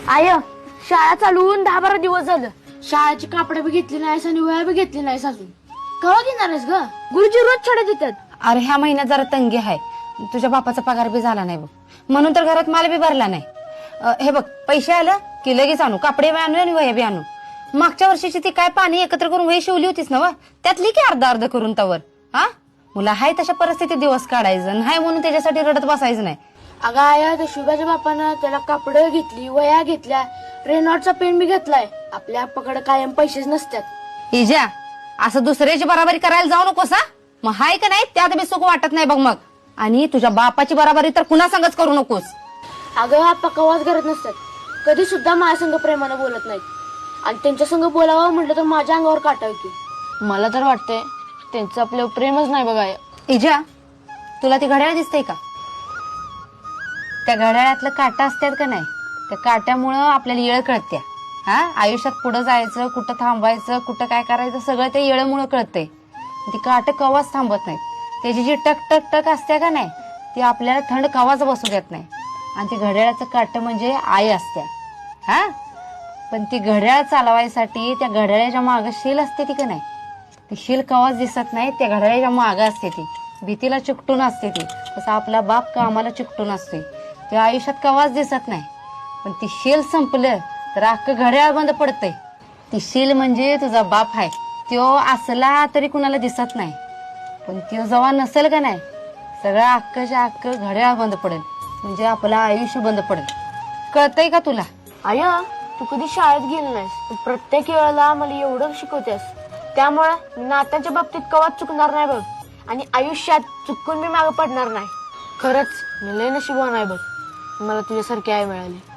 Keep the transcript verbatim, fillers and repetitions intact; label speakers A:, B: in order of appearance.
A: I शाळा चालवून दहा बारा दिवस झालं. शाळेची कापडे बी घेतली नाहीस आणि वया बी घेतली नाहीस अजून. केव्हा घेणार आहेस ग? गुरुजी रोज छडे देतात.
B: अरे ह्या महिन्यात जरा तंगी आहे. तुझ्या बापाचा पगार बी झाला नाही बघ, म्हणून तर घरात माल बी भरला नाही. अ, हे बघ, पैसे आलं की लगेच आणू, कपडे बी आणू आणि वया बी आणू. मागच्या वर्षीची ती काय पाणी एकत्र करून वही शिवली होतीस ना व, त्यातली की अर्ध अर्ध करून तवर. हा मुला हाय तशा परिस्थितीत दिवस काढायचं नाही म्हणून त्याच्यासाठी रडत बसायचं नाही.
A: अगं आया, त्या शुभाच्या बापानं त्याला कापडं घेतली, वया घेतल्या, रेनॉटचा पेन बी घेतलाय. आपल्या आप्पाकडे कायम पैसेच नसतात.
B: इजा, असं दुसऱ्याची बराबरी करायला जाऊ नकोस हा. मग हाय का नाही त्यात बी सुख वाटत नाही बघ मग. आणि तुझ्या बापाची बराबरी तर कुणा संगच करू नकोस.
A: अगं आप्पा कवाच करत नसतात. कधी सुद्धा माझ्या संग प्रेमानं बोलत नाहीत. आणि त्यांच्या संग बोलावं म्हटलं तर माझ्या अंगावर काटा येतो. मला तर वाटतंय त्यांचं आपल्यावर प्रेमच नाही बघा.
B: इजा, तुला ती घड्याळ दिसतंय का? त्या घड्याळातलं काटा असतात का नाही, त्या काट्यामुळं आपल्याला येळ कळत्या. हा आयुष्यात पुढे जायचं, कुठं थांबायचं, कुठं काय करायचं, सगळं ते येळमुळं कळतंय. ती काट कवाच थांबत नाहीत. त्याची जी टक टक टक असते का नाही, ती आपल्याला थंड कवाच बसू देत नाही. आणि ती घड्याळाचं काट म्हणजे आई असत्या. हा पण ती घड्याळ चालवायसाठी त्या घड्याळाच्या मागं शील असते ती का नाही, ती शील कवाच दिसत नाही. त्या घड्याळाच्या मागं असते ती, भीतीला चिकटून असते ती. तसं आपला बाप कामाला चिकटून असते, ते आयुष्यात कवाच दिसत नाही. पण ती शील संपलं तर अख्खं घड्याळ बंद पडतंय. ती शील म्हणजे तुझा बाप आहे. त्यो असला तरी कुणाला दिसत नाही, पण त्यो जेव्हा नसेल का नाही, सगळं अख्खच्या अख्खं घड्याळ बंद पडेल. म्हणजे आपलं आयुष्य बंद पडेल. कळतंय का तुला?
A: आया, तू कधी शाळेत गेली नाहीस, तू प्रत्येक वेळेला मला एवढं शिकवतेस. त्यामुळे मी नात्यांच्या बाबतीत कवाच चुकणार नाही बघ. आणि आयुष्यात चुकून मी मागे पडणार नाही. खरंच मी लय नशिबवान आहे बघ, मला तुझ्यासारखी आई मिळाली.